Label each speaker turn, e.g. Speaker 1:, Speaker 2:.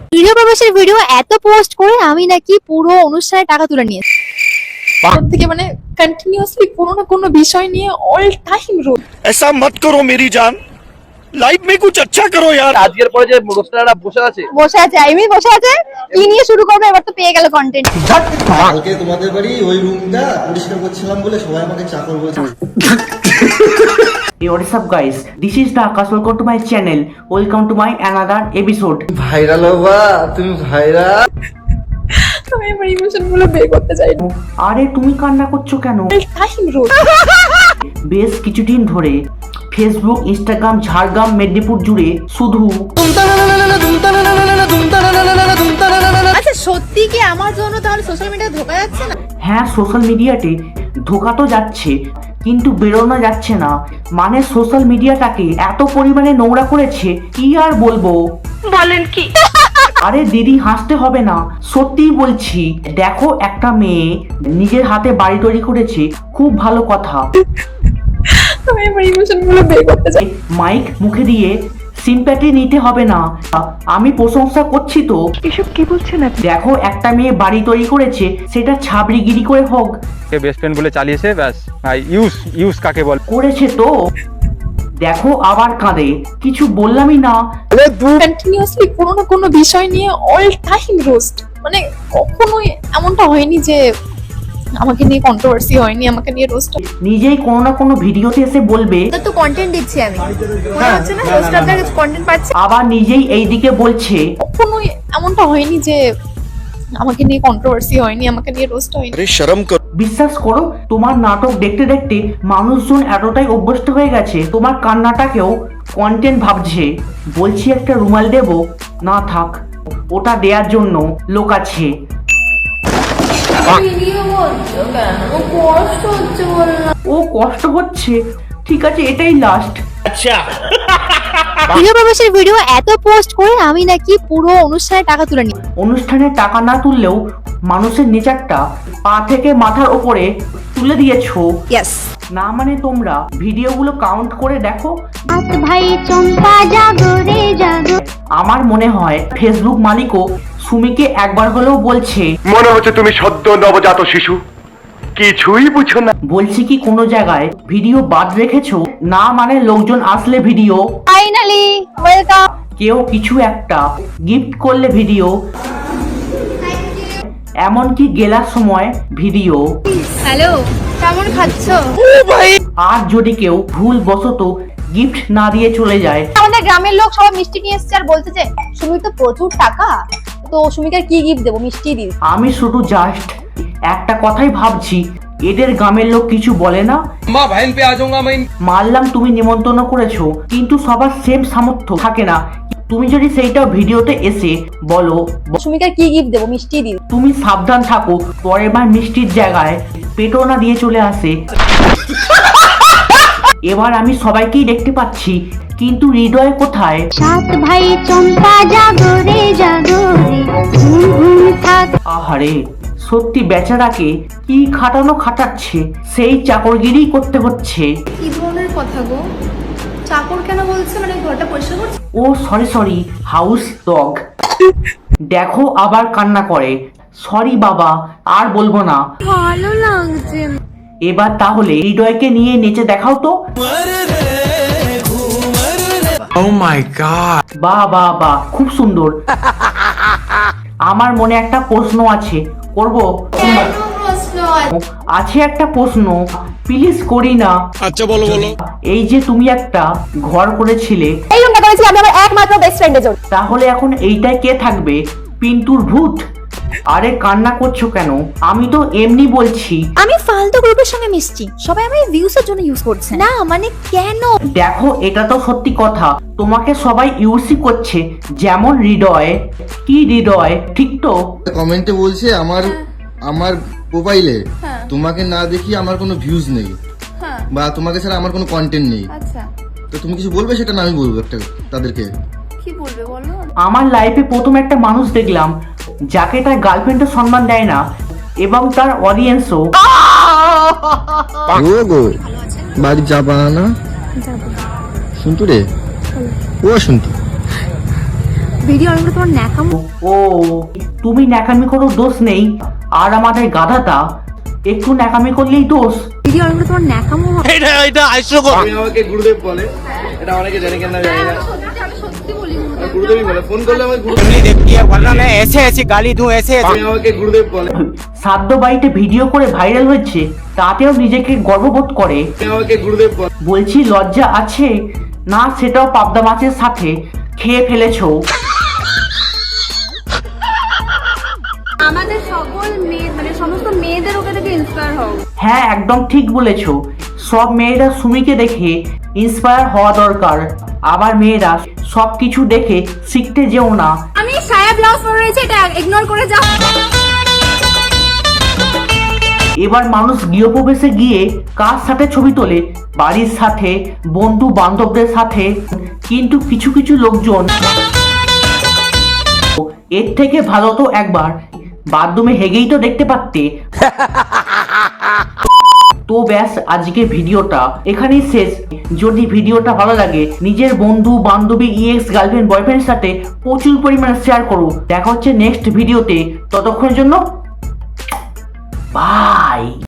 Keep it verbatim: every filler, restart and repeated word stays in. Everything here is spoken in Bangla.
Speaker 1: প্রিয় প্রবাসের ভিডিও এত পোস্ট করে আমি নাকি পুরো অনুষ্ঠানে টাকা তুলে নিয়েছি।
Speaker 2: থেকে মানে কন্টিনিউয়াসলি কোনো না কোনো বিষয় নিয়ে অল টাইম রোল।
Speaker 3: ऐसा मत करो मेरी जान, লাইফ में कुछ अच्छा करो यार।
Speaker 4: আজকের পরে যে রোস্টাররা বসে আছে
Speaker 1: বসে আছে আইমি বসে আছে কি নিয়ে শুরু করবে এবার তো পেয়ে গেল কন্টেন্ট।
Speaker 5: কালকে তোমাদের বাড়ি ওই রুমটা পরিষ্কার করছিলাম বলে সবাই আমাকে চাকর বলছে।
Speaker 6: Hey, what is up guys? This is the Akash. Welcome to my channel. Welcome to my another episode.
Speaker 5: Viral হবা তুমি, ভাইরাল।
Speaker 2: আমি আমার ইমোশন গুলো বের করতে চাই না।
Speaker 6: আরে তুমি কান্না করছো কেন?
Speaker 2: All time roll.
Speaker 6: বেশ কিছুদিন ধরে ফেসবুক, ইনস্টাগ্রাম, ঝাড়গ্রাম, মেদিনীপুর জুড়ে শুধু
Speaker 1: আচ্ছা সত্যি কি আমার জন্য তাহলে সোশ্যাল মিডিয়া ধোকা যাচ্ছে না?
Speaker 6: হ্যাঁ, সোশ্যাল মিডিয়াতে ধোকা তো যাচ্ছে কিন্তু বেরোনো যাচ্ছে না। মানে সোশ্যাল মিডিয়াটাকে এত পরিমাণে নোংরা করেছে কি আর বলবো।
Speaker 1: বলেন কি?
Speaker 6: আরে দিদি হাসতে হবে না, সত্যিই বলছি। দেখো একটা মেয়ে নিজের হাতে বাড়ি তৈরি করেছে, খুব ভালো কথা।
Speaker 2: আমি আমার ইমোশন গুলো বের করতে চাই।
Speaker 6: মাইক মুখে দিয়ে সিম্প্যাথি নিতে হবে না, আমি প্রশংসা করছি তো।
Speaker 2: এসব কি বলছেন আপনি?
Speaker 6: দেখো একটা মেয়ে বাড়ি তৈরি করেছে, সেটা ছাবড়িগিরি করে হোক
Speaker 7: বেস্ট ফ্রেন্ড বলে চালিয়েছে, ব্যাস ইউজ ইউজ কাকে বল
Speaker 6: করেছে তো। দেখো আবার কাঁদে, কিছু বললামই না।
Speaker 2: কন্টিনিউয়াসলি কোনো না কোনো বিষয় নিয়ে অল টাইম রোস্ট। মানে কখনোই এমনটা হয়নি যে আমাকে নিয়ে কন্ট্রোভার্সি হয়নি, আমাকে নিয়ে রোস্ট।
Speaker 6: নিজেই কোনো না কোনো ভিডিওতে এসে বলবে
Speaker 1: তো তো কন্টেন্ট দিচ্ছি আমি, মনে হচ্ছে না হোস্ট আপনার কন্টেন্ট পাচ্ছে।
Speaker 6: আবার নিজেই এইদিকে বলছে
Speaker 2: কখনোই এমনটা হয়নি যে আমাকে নিয়ে কন্ট্রোভার্সি হয়নি, আমাকে নিয়ে রোস্ট হয়নি।
Speaker 3: अरे शर्म करो।
Speaker 6: বিশ্বাস করো তোমার নাটক দেখতে দেখতে মানুষজন এতটাই অভ্যস্ত হয়ে গেছে তোমার কান্নাটাকেও কন্টেন্ট ভাবছে। বলছি একটা রুমাল দেবো, না থাক, ওটা দেওয়ার জন্য লোক আছে। ও কষ্ট হচ্ছে, ঠিক আছে এটাই লাস্ট।
Speaker 1: প্রিয় প্রবাসের ভিডিও এত পোস্ট করে আমি নাকি পুরো অনুষ্ঠানে টাকা তুলে নিই।
Speaker 6: অনুষ্ঠানে টাকা না তুললেও মানুষের নেচারটা পা থেকে মাথার ওপরে তুলে দিয়েছো।
Speaker 1: ইয়েস
Speaker 6: না মানে তোমরা ভিডিওগুলো কাউন্ট করে দেখো।
Speaker 1: ভাই চম্পা জাগো রে জাগো।
Speaker 6: আমার মনে হয় ফেসবুক মালিকও সুমিকে একবার হলেও বলছে,
Speaker 3: মনে হচ্ছে তুমি সদ্য নবজাত শিশু, কিছুই বুঝো না।
Speaker 6: বলছি কি কোনো জায়গায় ভিডিও বাদ রেখেছো? না মানে লোকজন আসলে ভিডিও,
Speaker 1: ফাইনালি ওয়েলকাম।
Speaker 6: কেউ কিছু একটা গিফট করলে ভিডিও, এমনকি গেলার সময় ভিডিও।
Speaker 1: হ্যালো কেমন খাচ্ছো?
Speaker 6: আর যদি কেউ ভুল বশত গিফট না দিয়ে চলে যায়,
Speaker 1: আমাদের গ্রামের লোক সবাই মিষ্টি নিয়ে এসেছে আর বলছে যে সুমি তো প্রচুর টাকা, তো সুমিকে কি গিফট দেবো? মিষ্টি দিই।
Speaker 6: আমি শুধু জাস্ট একটা কথাই ভাবছি, এদের গ্রামের লোক কিছু বলে না?
Speaker 4: মা ভাইন পে আজাউঙ্গা मैं।
Speaker 6: মানলাম তুমি নিমন্ত্রণ করেছো, কিন্তু সবার সেম সামর্থ্য থাকে না। তুমি যদি সেইটা ভিডিওতে এসে বলো
Speaker 1: সুমিকে কি গিফট দেবো? মিষ্টি দিই।
Speaker 6: তুমি সাবধান থাকো, পরের বার মিষ্টির জায়গায় পেটো না দিয়ে চলে আসে। এবার আমি সবাইকেই দেখতে পাচ্ছি, কিন্তু হৃদয় কোথায়?
Speaker 8: সাত ভাই চম্পা জাগো রে জাগো রে ঘুম ঘুম থাক।
Speaker 6: আহারে, সত্যি বেচারাকে কি খাটানো খাটাচ্ছে, সেই চাকরগিরি করতে হচ্ছে।
Speaker 9: কি ধরনের কথা গো? চাকর কেন বলছে? মানে ঘরটা পরিষ্কার করছে?
Speaker 6: Oh sorry sorry, house dog. দেখো আবার কান্না করে। সরি বাবা, আর বলবো না।
Speaker 9: ভালো লাগছে।
Speaker 6: এবার তাহলে হৃদয়কে নিয়ে নেচে দেখাও তো।
Speaker 3: Oh my god.
Speaker 6: বাহ বাহ বাহ, খুব সুন্দর। আমার মনে একটা প্রশ্ন আছে, করব? আছে একটা প্রশ্ন, প্লিজ করি না।
Speaker 3: আচ্ছা বলো বলো।
Speaker 6: এই যে তুমি একটা ঘর করেছিলে,
Speaker 1: এই রুমটা করেছি আমি আমার একমাত্র বেস্ট ফ্রেন্ডের জন্য।
Speaker 6: তাহলে এখন এইটাই কে থাকবে? পিন্টুর ভূত? আরে কান্না করছো কেন? আমি তো এমনি বলছি।
Speaker 1: আমি ফালতু গ্রুপের সঙ্গে মিশছি, সবাই আমাকে ভিউসের জন্য ইউজ করছে। না মানে কেন?
Speaker 6: দেখো এটা তো সত্যি কথা, তোমাকে সবাই ইউসি করছে, যেমন হৃদয়। কি হৃদয়, ঠিক তো?
Speaker 5: কমেন্টে বলছে আমার আমার প্রোফাইলে তোমাকে না দেখি আমার কোনো ভিউজ নেই, বা তোমাকে ছাড়া আমার কোনো কন্টেন্ট নেই।
Speaker 9: আচ্ছা
Speaker 5: তো তুমি কিছু বলবে সেটা না আমি বলবো একটা তাদেরকে।
Speaker 9: কি বলবে বলো?
Speaker 6: আমার লাইফে প্রথম একটা মানুষ দেখলাম যাকে তার গার্লফ্রেন্ডও সম্মান দেয় না, এবং তার অডিয়েন্সও।
Speaker 5: ও গো বাড়ি যাবা না? শুনতু রে, ও শুনতু
Speaker 9: ভিডিও অন করে তোমার ন্যাকামো
Speaker 6: ও তুমি ন্যাকামি করো দোষ নেই, আর আমাদের গাধাটা একটু ন্যাকামি করলেই দোষ।
Speaker 9: ভিডিও অন করে তোমার ন্যাকামো হয়।
Speaker 4: তুমি আমাকে গুরুদেব বলে, এটা অনেকে জানে কেন জানি না, গুরুদেবই বলে, ফোন করলে আমাকে গুরুদেব
Speaker 10: ऐसे ऐसी गाली दूं ऐसे
Speaker 4: তুমি আমাকে গুরুদেব বলে,
Speaker 6: সাধ্য বাড়িতে ভিডিও করে ভাইরাল হচ্ছে, তাতেও নিজেকে গর্ববোধ করে।
Speaker 4: তুমি আমাকে গুরুদেব বলে।
Speaker 6: বলছি লজ্জা আছে না? সেটাও পাবদা মাছের সাথে খেয়ে ফেলেছো।
Speaker 9: আমাদের সকল মেয়ে মানে সমস্ত মেয়েদের ওকে থেকে ইন্সপায়ার হও।
Speaker 6: হ্যাঁ একদম ঠিক বলেছো, সব মেয়েরা সুমিকে দেখে ইন্সপায়ার হওয়া দরকার। আবার মেয়েরা সব কিছু দেখে শিখতে যেও না।
Speaker 9: আমি সায়া ব্লাউজ পরে রয়েছে, এটা ইগনোর করে যাও।
Speaker 6: এবার মানুষ গৃহপ্রবেশে গিয়ে কার সাথে ছবি তোলে? বাড়ির সাথে, বন্ধু বান্ধবদের সাথে, কিন্তু কিছু কিছু লোকজন এর থেকে ভালো তো একবার বাথরুমে হেগেই তো দেখতে পারতে। তো ব্যাস, আজকে ভিডিওটা এখানেই শেষ। যদি ভিডিওটা ভালো লাগে নিজের বন্ধু বান্ধবী ইএক্স গার্লফ্রেন্ড বয়ফ্রেন্ডের সাথে প্রচুর পরিমাণে শেয়ার করো। দেখা হচ্ছে নেক্সট ভিডিওতে, ততক্ষণের জন্য বাই।